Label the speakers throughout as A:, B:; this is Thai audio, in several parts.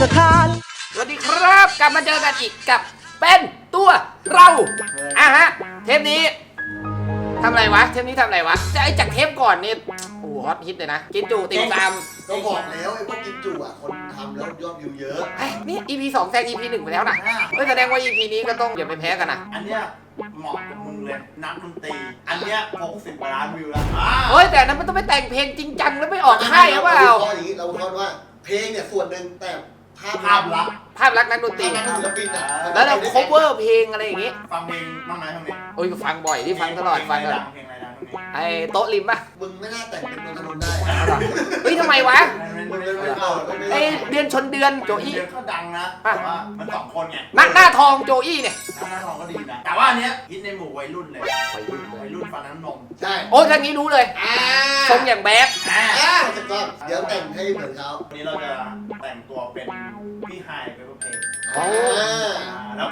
A: ทาน
B: สวัสดีครับกลับมาเจอกันอีกกับเป็นตัวเราฮะเทปนี้ทำอะไรวะเทปนี้ทำอะไรวะจะไอจากเทปก่อนนี่โอ้ฮอตฮิตเลยนะกินจูติ่มซำ
C: ก็บอกแล้วไอ้พวกกินจุอ่ะคนทำแล้วยอดวิวเยอะ
B: นี่ EP 2แซง EP 1ไปแล้วนะแสดงว่า EP นี้ก็ต้องอย่าไปแพ้กันนะ
D: อันเนี้ยเหมาะกับมึงเลยนักดนตรีอันเนี้ย60 กว่าล้านวิวแล้ว
B: เฮ้ยแต่นั้นมันต้องไปแต่งเพลงจริงจังแล้วไม่ออกค่ายหรือเปล่า
C: เราอย่างนี้เราคิดว่าเพลงเนี่ยส่วนหนึ่งแต่ภาพลักษณ์
B: นักดนตรี
C: ศิลปินอ่ะ
B: แล้วเรา cover เพลงอะไรอย่างงี้
D: ฟังเพลงบ้างไหมฟังเพลง
B: โอ้ยฟังบ่อยที่ฟังตลอดฟังตลอดไอ้โต๊ะริมป่ะ
C: มึงไม่น่าแต่งเป็นนนท์ได้
B: เฮ้ยทำไมวะ
C: ไอ้
B: เดือนชนเดือนโจอี้
D: ก็ดังนะแต่ว่ามัน2 คนไง
B: หน้าทองโจอี้เนี่ย
D: หน้าทองก็ดีนะแต่ว่าอันเนี้ยฮิตในหมู่วัยรุ่นเลยวัยรุ่นฟังน้ำนม
C: ใช่
B: โอ้ยทางนี้รู้เลยทรงอย่างแบด
C: จะก็เดี๋ยวแต่งให้เหมือนเขา
D: วันนี้เราจะแต่งตัวเป็นพี่ไฮเป็นเพลงแล้วก็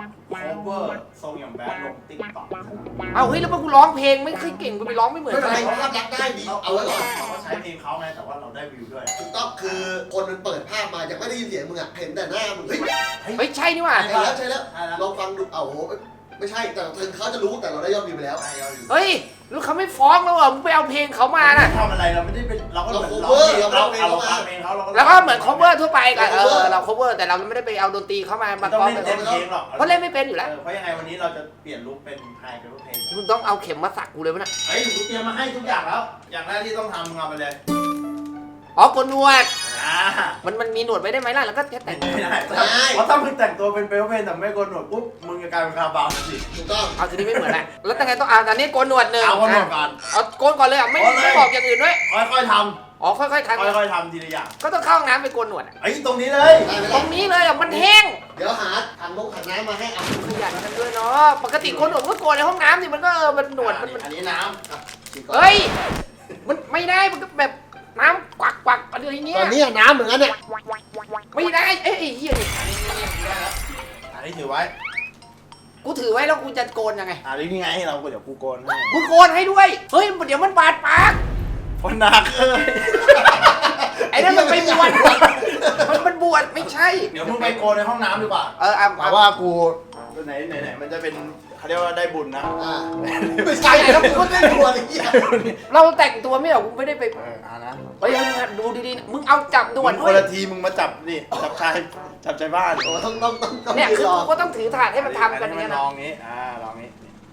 D: cover ทรงอย่างแบดลง TikTok
B: เอาเฮ้ยแล้วพอกูร้องเพลงไม่ค่อยเก่งกูไปร้องไม่เหมือน
C: ไม่
B: ใค
C: เป็น
B: ร
C: ไรภาพลักษณ์ได้ดีเอาไว้ก่อน
D: เขาใช้เพลงเขาไงแต่ว่าเราได้วิวด้วย
C: ถูกต้องคือคนมันเปิดภาพมายังไม่ได้ยินเสียงมึงอ่ะเห็นแต่หน้ามึงเฮ้ย
B: ไม่ใช่นี่หว่า
C: ใช่แล้วลองฟังดูโอ้โหไม่ใช่แต่ถึงเขาจะรู้แต่เราได้ยอดวิวไปแล้ว
B: เฮ้ยแล้วเขาไม่ฟ้องแล้วเหรอมึงไปเอาเพลงเขามาน่ะ
D: ทำอะไรเราไม่ได้เป็นเราก็เหมือนเราเพลงเขา
B: แล้วก็เหมือน cover ทั่วไปกันเรา cover แต่เราไม่ได้ไปเอาดนตรีเข้ามา
D: ต้อง
B: เล่
D: นเพลงหรอก
B: เพราะเล่นไม่เป็นอยู่แล้ว
D: เพราะยังไงวันนี้เราจะเปลี่ยนลุคเป็นไฮเป็นเพลง
B: มึงต้องเอาเข็มมาสักกูเลยวะน่ะ
D: เฮ้ยกูเตรียมมาให้ทุกอย่างแล้วอย่างแรกที่ต้องทำมึงเอาไปเลย
B: อ๋อโกนหนวดมันมีหนวดไว้ได้ไหมล่ะแล้วก็แค่แต่ง
D: ไม่ได้เพราะถ้ามึงแต่งตัวเป็นเปลวเพนแต่ไม่โกนหนวดปุ๊บมึงจะกลายเป็นคาบาวสิ
C: ถูกต้อง
B: เอาทีนี้ไม่เหมือนแล้วแล้วแต่ไงต้องเอาตอนนี้โกนหนวดหนึ่ง
D: เอาโกนหนวดก่อน
B: เอาโกนก่อนเลยอ่ะไม่บอกอย่างอื่นด้วย
D: ค่อยๆทำ
B: อ๋อค่อยๆทำ
D: ค่อยๆทำทีละอย่าง
B: ก็ต้องเข้าห้องน้ำไปโกนหนวด
D: ไอ้ตรงนี้เลย
B: ตรงนี้เลยอ่ะมันแห้ง
C: เดี๋ยวหาถังน้ำมาให้เอา
B: ขยันกันด้วยเนาะปกติโกนหนวดก็โกนในห้องน้ำสิมันก็มันหนวดมัน
D: อันนี้น้
B: ำเฮ้ยมันไม่ได้มันก็แบบน้ำกวักอะไรอย่างเงี้ย
C: ตอนนี้น้ำเหมือนกันเนี่ย
B: ไม่ได้เอ้ยเฮียนี่
D: อันนี้ถือไว้
B: กูถือไว้แล้วกูจะโกนยังไง
D: อันนี้ไงให้เราเดี๋ยวกูโกนให้
B: กูโกนให้ด้วยเฮ้ยเดี๋ยวมันบาดปาก
D: คนหนัก
B: ไอ้นั่นมันไปบวชมันบวชไม่ใช่
D: เดี๋ยวมึงไปโกนในห้องน้ำดีกว่า
B: แต่
D: ว่ากูไหนมันจะเป็นเขาเรียกว่าได้บุญนะ
C: ไม่ใช่แล้วกูก็ได้ตัวอะไรเงี้ย
B: เราแต่งตัวไม่หรอกกูไม่ได้ไป
D: นะ
B: เฮ้ยดูดีๆมึงเอาจับด่วนด้วย
D: คนละทีมึงมาจับนี่จับชายบ้าน
C: ต้อง
B: เนี่ยคือกูก็ต้องถือถาดให้มันทำกันอย่างนี้นะ
D: ลองนี้ลองนี้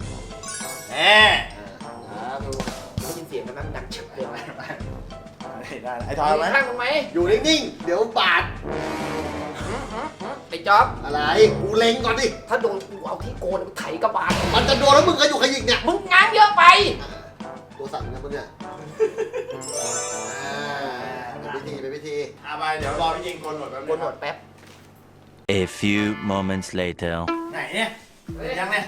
B: ได้ยินเสียงกันนั้นดังฉึกเลย
D: ได้ไอ้ทอยไหม
B: ข้างทำไม
C: อยู่นิ่งๆเดี๋ยวบาด
B: ไอ้จ๊อบ
C: อะไรกูเล็งก่อนดิ
B: ถ้าโดนกูเอาที่โกนกูไถกระบาล
C: มันจะโดนแล้วมึงก็อยู่ขยิกเนี่ย
B: มึงง้างเยอะไป
C: ตัวสั่นนะมึงเนี่ยเป็นพิธี
D: ไปเดี๋ยวรอพี่ยิงโกนหนวด
B: แป๊บ
A: A few moments later
D: ไหนเนี่ยยังเนี่ย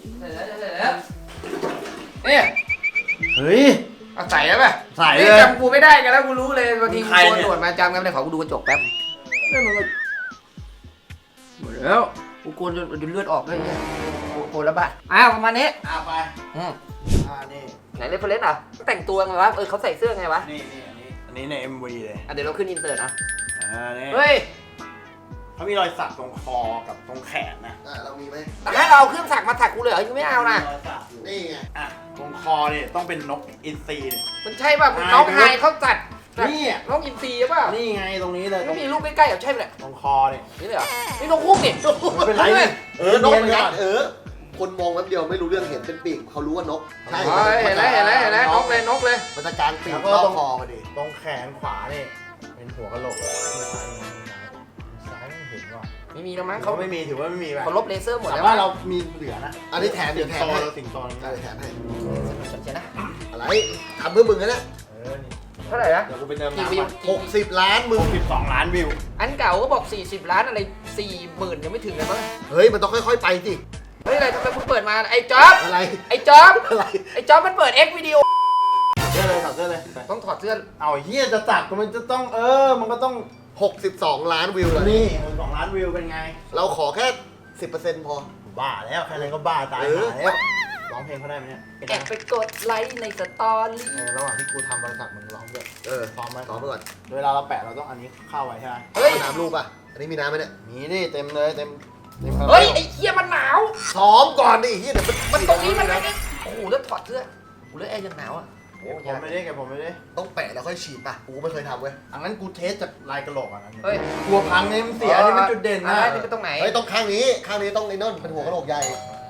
B: เนี่ย
D: เฮ้ย
B: เอาใส่แล้วป่ะ
D: ใส่เลย
B: จำกูไม่ได้กันแล้วกูรู้เลยบางทีกูโกนหนวดมาจำกันเลยขอกูดูกระจกแป๊บนี่มันหมดแล้วกูโกนจนเลือดออกเลยโกนแล้วบ้าประมาณนี้
D: ไป
B: นี่ไหนเรฟเฟรนซ์อ่ะแต่งตัวไงวะเขาใส่เสื้อไงวะ
D: อันนี้ใน MV เลย
B: เดี๋ยวเราขึ้นอินเสิร์ตนะ
D: นี่
B: เฮ้ย
D: เขามีรอยสักตรงคอกับตรงแขนนะ
C: เรามีไหม
B: แต่ถ้าเราเอาเครื่องสักมาสักกูเลยยังไม่เอานะ
C: นี่ไง
D: ตรงคอเนี่ยต้องเป็นนกอินทรีเนี่ย
B: มันใช่ป่ะน้องไฮเขาจัด
D: นี่
B: น้องอินทรีป่ะ
D: นี่ไงตรงนี้เลย
B: ไม่มีรูปใกล้ๆใช่ไหมเนี่ย
D: ตรงคอเนี่ย
B: นี่เลยเหรอนี่นกฮูกนี่
D: ไม่เป็นไร
C: นกเหมือนกันคนมองแป๊บเดียวไม่รู้เรื่องเห็นเป็นปีกเขารู้ว่านก
B: ใช่เห็นแล้วนกเลย
C: มันจะการปีกรอบคอมาดิ
D: ตรงแขนขวาเนี่ยเป็นหัวกะโหลกซ้ายไม่เห็นว่ะ
B: ไม่มีแล้วมั้ง
D: เขาไม่มีถือว่าไม่มีแบบ
B: เขาลบเลเซอร์หมดแล้ว
D: ว่าเรามีเหลือนะ
C: อันนี้แถมเดี๋ยวแถมให้
D: สิ่งโต
C: แถมให้
B: ใช่นะ
C: อะไรทำเพื่อมึงนะเนี่ย
B: เท่าไหร่นะ
D: เดี๋ยวกูไปเติม
C: 60 ล้านมึง
D: 12 ล้านวิว
B: อันเก่าก็บอก40 ล้านอะไร40,000ยังไม่ถึงเลยมั้ง
C: เฮ้ยมันต้องค่อยๆไปสิ
B: เฮ้ยอะไรทำไมคุณเปิดมาไอ้จ๊อบ
C: อะไร
B: ไอ้จ๊อบอะไรไอ้จ๊อบมันเปิด X วิดีโอ
D: เสื้อเลยถอดเสื้อเลย
B: ต้องถอดเสื้อ
D: เอาเฮียจะจัดมันจะต้องมันก็ต้อง
C: 62 ล้านวิวเลย
D: นี่62 ล้านวิวเป็นไง
C: เราขอแค่ 10% พอ
D: บ้าแล้วแค่นั้นก็บ้าตายแล้วร้องเพลงเขาได้ไหมเนี่ย
B: แอบไปกดไลค์ในสตอรี่
D: ระหว่างที่กูทำบริษัทมึงร้องด้วยซ้อมไป
C: ก่อน
D: เวลาเราแปะเราต้องอันนี้เข้าไว้ใช่ไหม
C: น้ำรูปอ่ะอันนี้มีน้ำไหมเนี่ย
E: มีนี่เต็มเลยเต็ม
B: เฮ้ยไอ้เหี้ยมันหนาว
C: ซ้อมก่อนดิเฮียเดี๋ยว
B: มันตรงนี้มันไม่ได้โอ้โหแล้วถอดเสื้อโอ้โหแล้วแอร์ยังหนาวอ่ะโอ้
E: เก็บผมไม่ได้เก็บผมไม่ได้
C: ต้องแปะแล้วค่อยฉีดป่ะกูไม่เคยทำเว้ย
E: อันนั้นกูเทสจากลายกระโหลกอ่ะนะ
B: เฮ้ย
E: กลัวพังเนี่ยมันเสียอันนี่มันจุดเด่นนะ
B: นี่เป็นตรงไหน
C: เฮ้ยต้องข้างนี้ต้องไอ้นั่นเป็นหัวกระโหลกใหญ่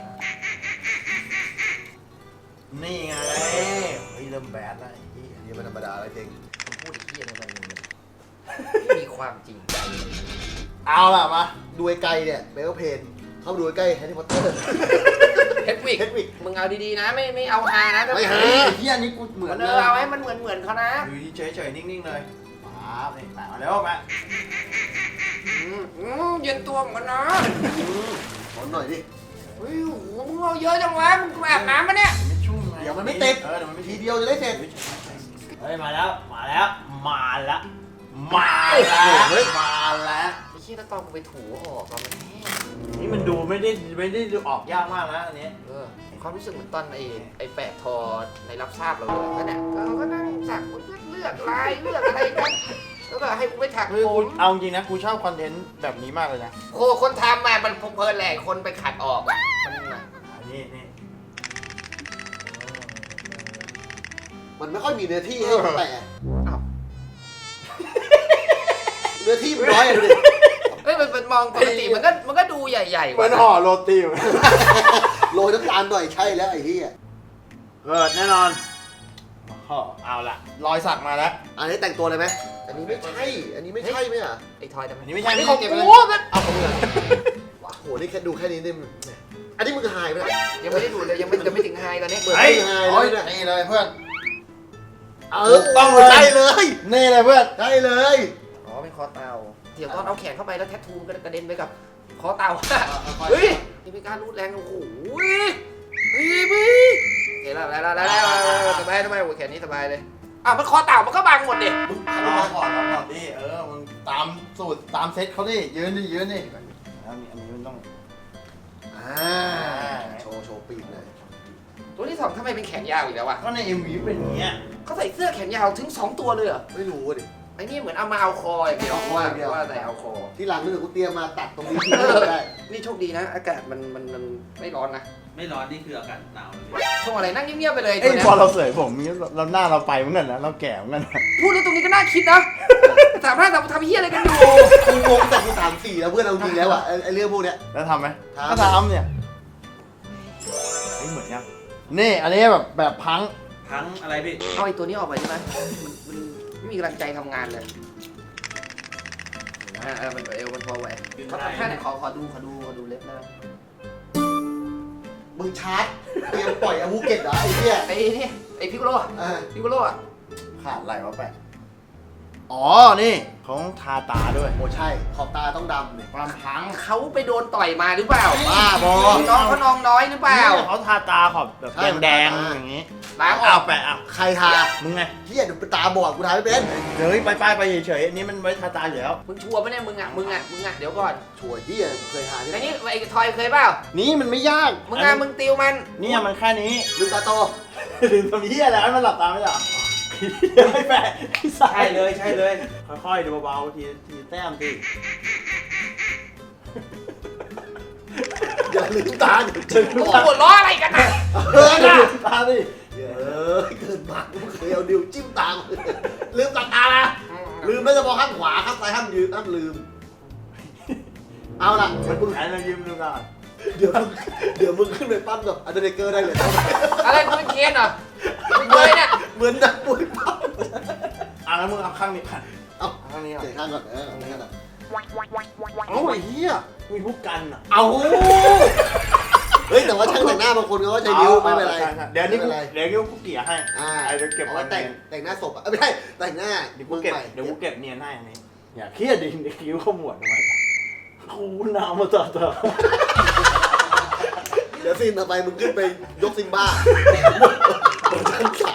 E: นี่ไงเฮ้ยเริ่มแบดแล้วไอ้เหี้ย
C: อันนี้มันธรรมดาอะไรจริง
B: มันพูดไอ้เหี้ยอะไรมันไม่มีความจริงใจ
E: เอาล่ะมา
C: ดูไกลๆเนี่ยเบลเพนเข้าไปดูใกล้แฮร์รี่พอตเตอร์
B: เฮดวิก
C: เฮดวิก
B: มึงเอาดีๆนะไม่เอาฮานะ
C: ไม่ฮา
E: เฮ้ยไอ้เหี้ยนี่กูเหมือน
B: เอาให้มันเหมือนเขานะ
E: อยู่เฉยๆนิ่งๆเลยป๊าบนี่แปะมาแล้วแปะ
B: เย็นตัวเหมือนกันนะ
C: ขอหน่อยดิ
B: เฮ้ยโอ้โหมึงเอาเยอะจังวะมึงอาบน้ำมาเนี่ย
E: ไม่ชุ่มไง
C: เดี๋ยวมันไม่ติด
E: เดี๋ยวมันไม่
C: ที
E: ติด
C: เดียวจะได้เสร็จ
E: เฮ้ยมาแล้วมาแล้วมาแล้ว
C: โอ้โหเฮ้ย
E: มาแล้ว
B: ไอ้เชี่ยแล้วตอนกูไปถูออกตอนมันแห้ง
E: นี่มันดูไม่ได้ดูออกยากมากนะอันนี้
B: ความรู้สึกเหมือนตอนไอ้แปะทอในรับทราบเราเลยก็เนี่ยเขาก็นั่งสักเลือกลายเลือกอะไรกันแล้วก็ให้กูไปถัก
E: คือ
B: โค
E: กู
B: น
E: เอาจริงนะกูชอบคอนเทนต์แบบนี้มากเลยนะ
B: โคคนทำมามันเพลินแหละคนไปขัดออกอ่ะมันนะ
E: นี่
C: มันไม่ค่อยมีเนื้อที่ให้แปะ
B: อ้าว
C: เนื้อที่มันน้อยอะดูดิ
B: เฮ้ยมันมองปกติมันก็ดูใหญ่ๆ
E: เหมือน
B: ว่ะ
E: ห่อโรตี
C: โรยน้ำตาลหน่อยใช่แล้วไอ้เหี้ย
E: เกิดแน่นอนเอาละรอยสักมาแล้ว
C: อันนี้แต่งตัวเลยไหมอันนี้ไม่ใช่อันนี้ไม่ใช่ไหมอ่ะ
B: ไอ้ทอยทำไม
E: อันนี้ไม่ใช่
B: นี่ของ
E: เก็บ
B: กู
E: เลย
B: มัน
C: เอาของมึงอะว้าโหนี่แค่ดูแค่นี้นี่อันนี้มึงหายไปแล้ว
B: ยังไม่ได้ดูเลยยังไม่ถึงไฮตอนนี้
C: เหมือน
E: เฮ้ย
C: มึงหาย
E: โอ้ย
C: เลยเนี่ย
E: นี่เลยเพื่อน
C: ต้องใช่เลย
E: นี่เลยเพื่อน
C: ใช่เลย
B: อ๋อเป็นคอเต่าเดี๋ยวตอนเอาแขนเข้าไปแล้วแทททูกระเด็นไปกับคอเต่าเฮ้ยนี่เป็นการรูดแรงโอ้โหเฮ้ยเห็นแล้วสบายทำไมโอ้แขนนี้สบายเลยอ่ะมันคอเต่ามันก็บังหมดดิ
C: มึง
E: เอามาก่อนดิมึงตามสูตรตามเซ็ตเขาดิยืนดิแล้วนี่อันนี้มันต้อง
C: โชว์ปีกเลย
B: ตัวที่สองทำไมเป็นแขนยาวอีกแล้ววะ
E: ก็ใน MV เป็นอย่างเงี้ย
B: เขาใส่เสื้อแขนยาวถึง2ตัวเลยเหรอ
C: ไม่รู้ดิ
B: ไอ้นี่เหมือนเอามาเอาคออย่างเดียวว่าแต่เอาคอ
C: ที่หลังนี่กูเตรียมมาตัดตรงนี้ทิ้งได้
B: นี่โชคดีนะอากาศมันไม่ร้อนนะ
F: ไม่ร้อนนี่คืออากาศหนาวเลย
B: ช่วงอะไรนั่งเงียบๆไปเลย
E: เอ้
B: ตัวย เนี้ย
E: พอเราเสยผมเราหน้าเราไปเหมือนกันนะเราแก่เหมือนกันนะ
B: พูดแล้วตรงนี้ก็น่าคิดนะทำเฮี้ยอะไรกันอยู่
C: กูงงแต่กู3-4แล้วเพื่อนเอาจริงแล้วอ่ะไอ้เรื่องพวกเนี้ย
E: แล้วทำไหม
C: ทำ
E: ก็ทำเนี่ยเหมือนยังนี่อันนี้แบบพัง
F: พังอะไรพี่
B: เอาไอ้ตัวนี้ออกไปใช่ไหมมันไม่มีกำลังใจทำงานเลยมันเอวมันพอไหวเขาทำท่าไหนขอดูเล็บนะ
C: มึงชาร์จเตรียมปล่อยอาวุธเก็ตเหรอไอ้เหี้ย
B: ไอ้นี่ไอ้พิกโลอ่ะ
E: ขาดอะไรวะแปะอ๋อนี่เขาต้องทาตาด้วย
C: โอ้ใช่ขอบตาต้องดำเนี่ย
E: ความพัง
B: เขาไปโดนต่อยมาหรือเปล่า
C: บ้าบอ
B: น้องเขานองน้อยหรือเปล่า
E: เขาทาตาขอบแบบ
C: ใช่
E: แดง
C: มันทา
E: ๆอย่างงี้
B: ล้างอ
E: เอา
B: อก
E: แปะเอา
C: ใครทา
E: มึงไง
C: เหี้ยเดี๋ยวตาบอดกูทาไม่เป็น
E: เดี๋ยวไปเฉยๆอันนี้มันไว้ทาตาอยู่แล้ว
B: มึงชัวร์ปะเนี่ยมึงอ่ะเดี๋ยวก่อน
C: ชัวร์เหี้ยเคยทาที่ไหน
B: ไอ้นี่ไอ้ทอยเคยเปล่า
E: นี่มันไม่ยาก
B: มึงติวมัน
E: เนี่ยมันแค่นี้
C: ลืมตาโต
E: ลืมทำเหี้ยแล้วมันหลับตาไม่หลับไม่แปะ
F: ใช่เลย
E: ค่อยๆดูเบาๆทีแต้มที
C: อย่าลืมตาเดี๋ยวเจอ
B: โอ้โหหัวล้ออะไรกันนะ
E: ตาดิ
C: เกินมากกูเคยเอานิ้วจิ้มตาลืมตานะลืมไม่เฉพาะข้างขวาข้างซ้ายห้ามลืมเอาล่ะ
E: มึงหันมายิ้มดูก่อน
C: เดี๋ยวมึงขึ้นไปปั้มกับอันเดอร์เกอร์ได้เลย
B: อะไรกูเป็นเคียนเหรอมึงเคยเนี่ย
C: เหมือนนักมวยปั้ม
E: แล้วมึงเอาข้างนี้ผ่าน
C: เอา
E: ข้างนี้
C: เดี๋ยวข้างก่อนข้างก่อน
E: โอ้ยเหี้ยมีผู้กันอ่ะ
C: เอาเฮ้ยแต่ว่าช่างแต่งหน้าบางคนเขาก็ใช้นิ้วไม่เป็นไร
E: เดี๋ยวนี้กูเเกี่ยให้ เดี๋ยวเก็บ
C: ไว้แต่งหน้าศพอ่ะไม่ใช่แต่งหน้า
E: เดี๋ยวกูเก็บเนียนให้อันนี้อย่าเครียดดิเดี๋ยวคิ้วขมวดทำไมกูน้ำมาต่อ
C: เดี๋ยวซีนต่อไปมึงขึ้นไปยกซิมบ้าบนชั้น3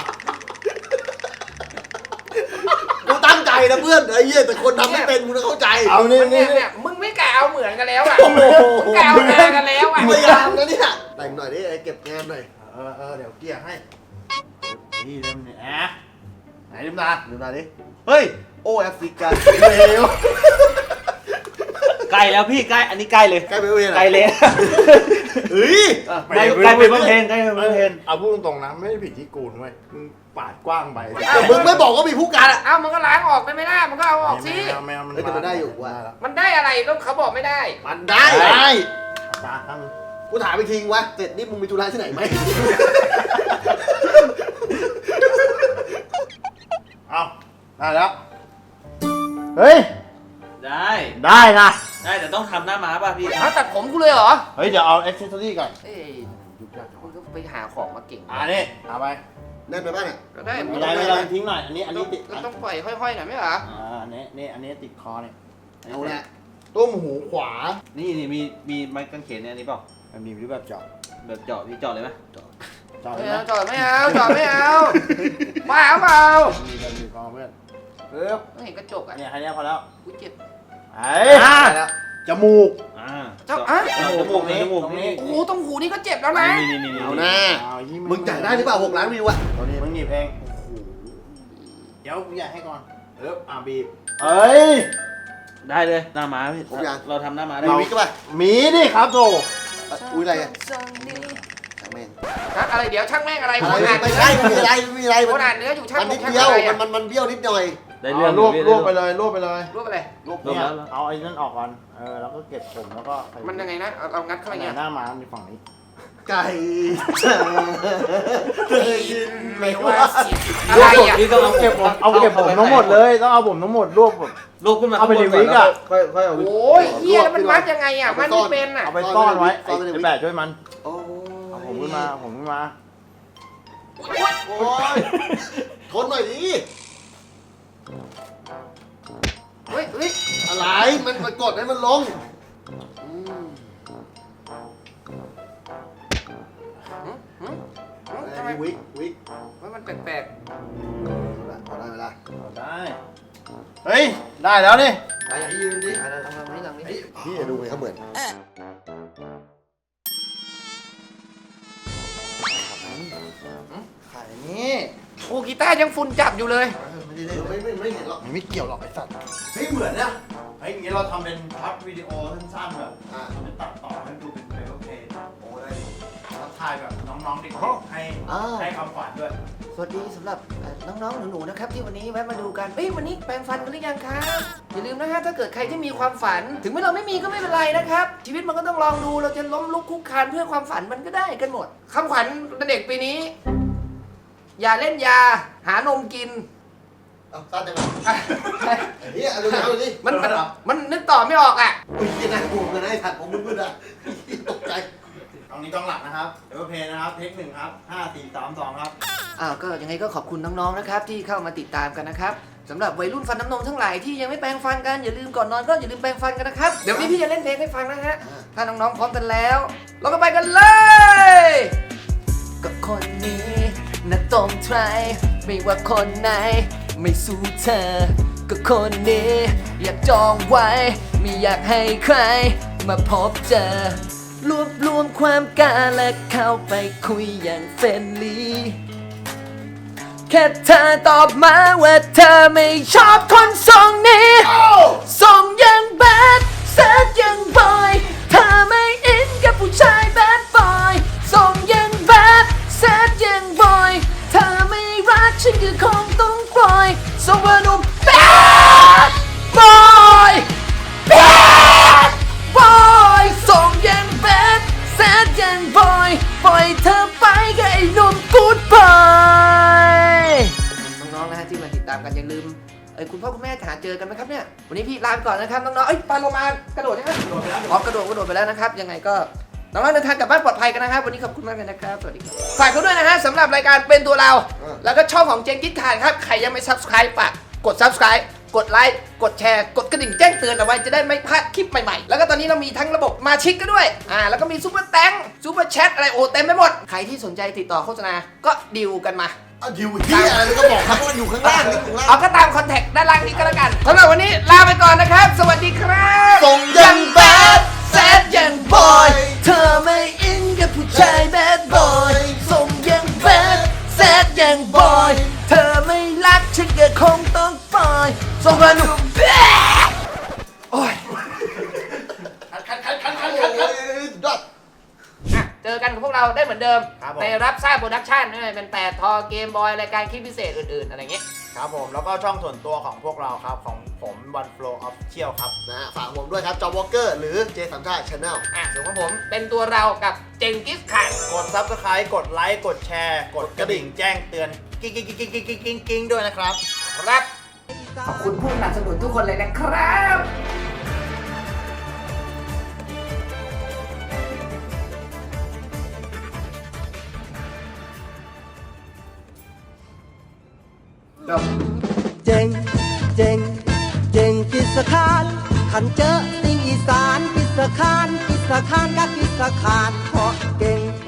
C: กูตั้งใจนะเพื่อนไอ้เหี้ยแต่คนทำไม่เป็นมึงต้องเข้าใจ
E: เอานี่
B: เนี่ยมึงไม่กะเอาเหมือนกันแล้วอ่ะมึงกะเอาหน้ากันแล้วอ่ะ
C: พยายามนะเนี่ยแต่งหน่อยดิไอ้เก็บงานหน่อย
E: เดี๋ยวเกี่ยให้นี่เริ่มเนี่ยไหนลืมตาดิเฮ้ย
C: โอ้แอฟริกา
E: เร็ว
F: ใกล้แล้วพี่ใกล้อันนี้ใกล้เลย
C: ใกล้ไปเวร
F: ใกล้เลย
C: เฮ้ย
F: ใกล้ใกล้ไปบำเพ็ญใกล้ไปบำเพ็ญ
E: เอาพูดตรงๆนะไม่ได้ผิดที่กูนะเว้ยมึงปาดกว้างไป
C: แต่มึงไม่บอกว่ามีผู้การอ่ะ
B: เอ้ามันก็ล้างออกได้ไหมล่ะมันก็เอาออกสิ
E: แมวมัน
C: เฮ้ยแต่มันได้อยู่ว่ะ
B: มันได้อะไรก็เขาบอกไม่ได้
C: มันได้
E: ได้ตาตั้ง
C: กูถามไปทิ้งวะเสร็จนี่มึงมีธุระที่ไหนไหม
E: เอาได้แล้วเฮ้ย
F: ได้
E: ได้นะ
F: ได้แต่ต้องทำหน้าม้าป่ะพี่
B: เอาตัดผมกูเลยเหรอ
E: เฮ้ยเดี๋ยวเอาอ็อกเซสซอรี่ก่อน
B: เอ้ยคุณก็ไปหาของมาเก่ง
E: นี่เอาไป
C: แน่นไปบ้างเนี่ย
B: ก็ได้
E: ไม่ได้ไม่ได้ทิ้งหน่อยอันนี้ติด
B: เราต้องปล่อยห้อยๆหน่อยไหมเหรอ
E: อันนี้ติดคอเนี่ย
C: เอาละ
E: ต้มหูขวา
F: นี่มีไม้กางเขนเนี่ยอันนี้เปล่า
E: มันมีรูปแบบเจาะ
F: แบบเจาะพี่เจาะเลยไหม
E: เจาะ
B: ไม่
E: เลย
B: เอา
E: นะ
B: จอดไม่เอาจอดไม่เอาบ้าเปล่า
E: มีกันมีกองเพื่อนปึ๊บ
B: ไม่เห็นกระจกอ่ะ
E: เนี่ยแค่นี้พอแล้ว
B: กูเจ็บ
E: ไอ้จมูก
B: เจ้าอ่ะ
F: จมูกนี่จมูก
E: ตรงนี้
F: นี่
B: โอ้โหตรงหูนี่ก็เจ็บแล้วนะ
F: นี่
C: เอาหน้ามึงจ่ายได้หรือเปล่า6 ล้านวิวอะ
E: ตัวนี้มึงหนีบเองเดี๋ยวกูอยากให้ก่อนปึ๊บบีบเอ้ย
F: ได้เลยหน้าม้าพี่เราทำหน้าม้าได้
C: มีวิกก็ป่ะ
E: มีดิครับโต
C: อุ้ยอะไรอะช่างแม่ง
B: ฮะอะไรเดี๋ยวช่างแม่งอะไร
C: อะไร
B: คนอ่าน
C: ไม่ใช่ไม่มีอะไรไม่มีอะไร
B: คนอ่านเนื้ออยู่ช่าง
C: มันนิด
B: ช่าง
C: เดียว
B: อะไรอ่ะ
C: มันเบี้ยวนิดหน่อย
F: ได้เรื่อง
E: รวบไปเลยรวบไปเลย
B: รูปอะไร
C: รวบ
F: รวบ
E: เนี่ย
F: แล้ว
E: เอาไอ้นั่นออกก่อนแล้วก็เก็บผมแล้วก็ใส่
B: มันยังไงนะเอางัดเข้าไป
E: อันไหน
B: เนี่ย
E: หน้าม้ามันอยู่ฝั่งนี้
C: ไก่เคยกินไหม
B: ไม่
C: ว่า
B: ว่าเสียอะไรอ่ะ
F: พี่ต้องเอาเก็บผม
E: เอาเก็บผมทั้งหมดเลยต้องเอาผมทั้งหมดรวบผม
F: ลูกขึ้นมา
E: เอาไปในวิกอะ
F: ค่อยเอาวิก
B: โอ้ยเฮียแล้วมันมัดยังไงอ่ะมันไม่เป็นอ่ะ
E: เอาไปซ่อนไว้ไอ้แบะช่วยมัน
C: โอ้
E: เอาผมขึ้นมาผมขึ้นมา
C: โอ้ยทนหน่อยดิ
B: เฮ้ยเฮ้ย
C: อะไรมันกดให้มันลงอืม
B: ทำไม
C: วิก
B: มันแปลก
C: พอได้เวลา
E: เอาได้เฮ้ยได้แล้วนี่
C: ไปอย่างที่ยืนดิ
B: ๆอะไรทำนี้ทำนี้
C: พี่ดูไงเขาเหมือน
E: ขายนี่
B: โอ้กีตาร์ยังฝุ่นจับอยู่เลย
C: ไม่ได้เล่นไม่เห็นหรอก
E: มันไม่เกี่ยวหรอกไอ้สัตว์
C: เฮ้ยเหมือนนะ
E: เฮ้ยอย่างงี้เราทำเป็นพับวิดีโอสั้นๆแบบ
C: อ่า
E: จะตัดต่อให้ดูเป็นเพลย์โอเค
C: โอ้ได้
E: แล้วถ่ายแบบน้องๆเด็กๆให้คำฝันด้วย
B: สวัสดีสำหรับน้องๆหนูๆนะครับที่วันนี้แวะมาดูกันเอ้ยวันนี้แปรงฟันกันหรือยังครับอย่าลืมนะฮะถ้าเกิดใครที่มีความฝัน ถึงแม้เราไม่มีก็ไม่เป็นไรนะครับ ชีวิตมันก็ต้องลองดูเราจะล้มลุกคลุกคลานเพื่อความฝันมันก็ได้กันหมดคำขวัญเด็กปีนี้ อย่าเล่นยาหานมกิน
C: เอาตั้งใจมาเฮียดูเอาดิ
B: มันนึกต่อไม่ออกอ่ะ
C: อุ้ยยังน่ากลัวกันนะไอ้ถัดผมมึนๆอ่ะตกใจ
E: ตรงนี้กล้องหลักนะครับเอเวอร์เพย์นะครับเทคหนึ่งครับ5 4 3 2ครับ
B: ก็ยังไงก็ขอบคุณน้องๆนะครับที่เข้ามาติดตามกันนะครับสำหรับวัยรุ่นฟันน้ำนมทั้งหลายที่ยังไม่แปรงฟันกันอย่าลืมก่อนนอนก็อย่าลืมแปรงฟันกันนะครับเดี๋ยวนี้พี่จะเล่นเพลงให้ฟังนะฮะถ้าน้องๆพร้อมกันแล้วเราก็ไปกันเลยก็คนนี้นะต้องใครไม่ว่าคนไหนไม่สู้เธอก็คนนี้อยากจองไว้ไม่อยากให้ใครมาพบเจอรวบรวมความกล้าและเข้าไปคุยอย่างเฟรนลี่แค่เธอตอบมาว่าเธอไม่ชอบคนทรงนี้ทรงยังแบดแซดยังบอยเธอไม่อินกับผู้ชายแบดบอยทรงยังแบดแซดยังบอยเธอไม่รักฉันก็คงต้องปล่อยทรงว่าหนุ่มแบดบอยแบดบอยทรงยังแบดแซดยังบอยปล่อยเธอไปกับไอ้หนุ่มกู๊ดบอยน้องๆนะฮะที่มาติดตามกันอย่าลืมคุณพ่อคุณแม่หาเจอกันไหมครับเนี่ยวันนี้พี่ลาไปก่อนนะครับน้องๆปลาโลมากระโดดใช่ไหมกระโดดไปแล้วนะครับยังไงก็น้องๆเดินทางกลับบ้านปลอดภัยกันนะครับวันนี้ขอบคุณมากเลยนะครับสวัสดีครับฝากเขาด้วยนะฮะสำหรับรายการเป็นตัวเรา แล้วก็ช่องของเจงกิ๊ดขาดครับใครยังไม่ subscribe ฝากกด subscribe กดไลค์กดแชร์กดกระดิ่งแจ้งเตือนเอาไว้จะได้ไม่พลาดคลิปใหม่ๆแล้วก็ตอนนี้เรามีทั้งระบบมาชิกกันด้วยแล้วก็มีซูเปอร์แตงซูเปอร์แชทอะไรโอ้เต็มไปหมดใครที่สนใจติดต่อโฆษณาก็ดิวกันมา
C: อยู่ที่อะไรก็บอกครับว่าอยู่ข้างล่างนี่อยู่ข้างล่าง
B: เอาก็ตามคอนแทคด้านล่างนี้ก็แล้วกันสำหรับวันนี้ลาไปก่อนนะครับ สวัสดีครับ
C: ทรงยังแบด
B: แซดยังบอย เธอไม่อินกับผู้ชายแบดบอยส่งยังแบดแซดยังบอย เธอไม่รักฉันก็คงต้องปล่อยส่งมาหนุ่มแบดโอ้ยเจอกันกับพวกเราได้เหมือนเดิม
D: ครับผม
B: ในรับทราบโปรดักชั่นไม่ว่าจะเป็น8ทอเกมบอยรายการคลิปพิเศษอื่นๆอะไรอย่างเงี้ย
D: ครับผมแล้วก็ช่องส่วนตัวของพวกเราครับของผม One Flow Official ครับ
C: นะฮะฝากผมด้วยครับจอมวอลเกอร์หรือเจสัมชาติชาแนล
B: ส่วนของผมเป็นตัวเรากับเจงกิสข่น
D: กด Subscribe กดไลค์กดแชร์กดกระดิ่งแจ้งเตือนกิ๊งด้วยนะครับ
B: ครับ ขอบคุณผู้สนับสนุนทุกคนเลยนะครับ
G: เจ๋งเจ๋งเจ๋งกิสคานขันเจอสิ่งอีสานกิสคานกิสคานกับกิสคานเพราะเก่ง